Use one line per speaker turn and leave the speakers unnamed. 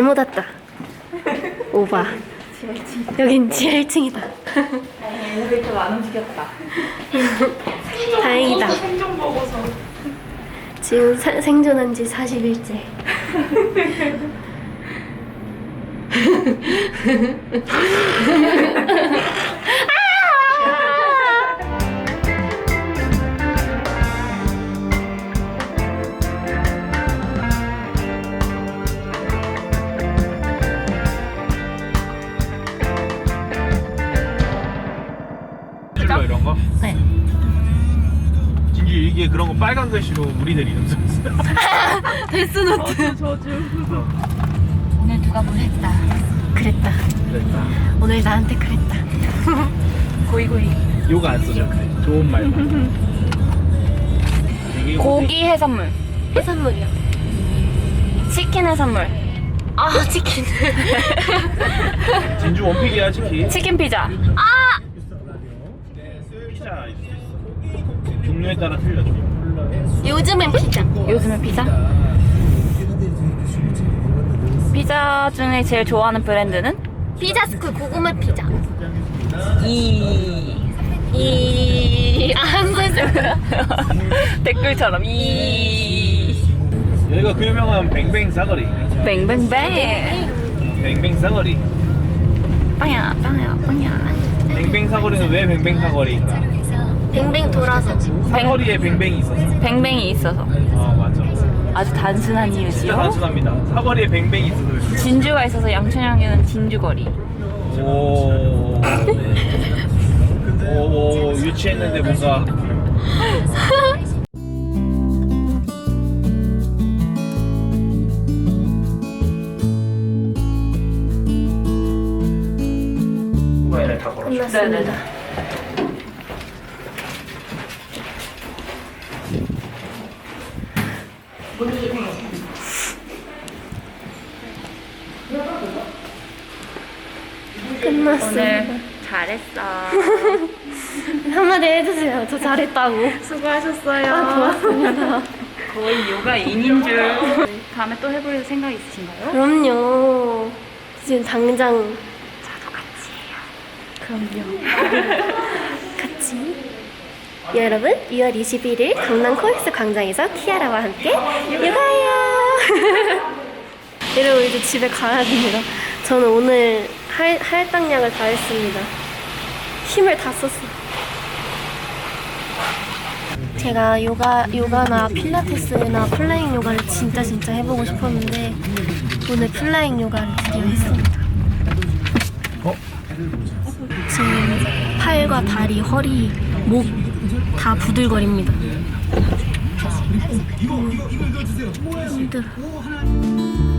잘못 왔다. 오바. 여긴 지하 1층이다.
엘리베이터가 안 움직였다.
다행이다.
생존 보고서.
지금 생존한 지 40일째.
이런 거?
네.
진주 이게 그런 거 빨간 글씨로 우리들 이름 썼어.
데스노트.
오늘 누가 뭘 했다.
그랬다.
그랬다.
오늘 나한테 그랬다.
고이고이.
욕 안 써줘. 좋은 말만.
고기 해산물.
해산물이요.
치킨 해산물.
아 치킨.
진주 원픽이야 치킨.
치킨 피자.
피자 있어. 종류에 따라 틀려져.
요즘엔 피자.
요즘은 피자? 피자 중에 제일 좋아하는 브랜드는?
피자스쿨 고구마 피자. 한글
댓글처럼
여기가 그 유명한 뱅뱅 사거리.
뱅뱅뱅
뱅뱅 사거리.
빵야 빵야 빵야.
뱅뱅 사거리는 왜 뱅뱅 사거리인가?
뱅뱅 돌아서.
사거리에 뱅뱅이 있어서.
뱅뱅이 있어서.
맞아.
아주 단순한
진짜
이유지요.
단순합니다. 사거리에 뱅뱅이 있어서.
진주가 있어서 양천역에는 진주거리.
오. 오, 유치했는데 뭔가. 후반에 다 걸었어.
끝났습니다. 끝났습니다.
오늘 잘했어.
한마디 해주세요. 저 잘했다고.
수고하셨어요.
고맙습니다.
거의 요가인인 줄. 다음에 또 해볼 생각 있으신가요?
그럼요. 지금 당장
저도 같이 해요.
그럼요. 같이. 여러분 2월 21일 강남 코엑스 광장에서 키아라와 함께 요가해요. 여러분 이제 집에 가야 됩니다. 저는 오늘 할당량을 다 했습니다. 힘을 다 썼어요. 제가 요가나 필라테스나 플라잉 요가를 진짜 해보고 싶었는데 오늘 플라잉 요가를 드디어 했습니다. 지금 팔과 다리, 허리, 목 다 부들거립니다. 힘들어.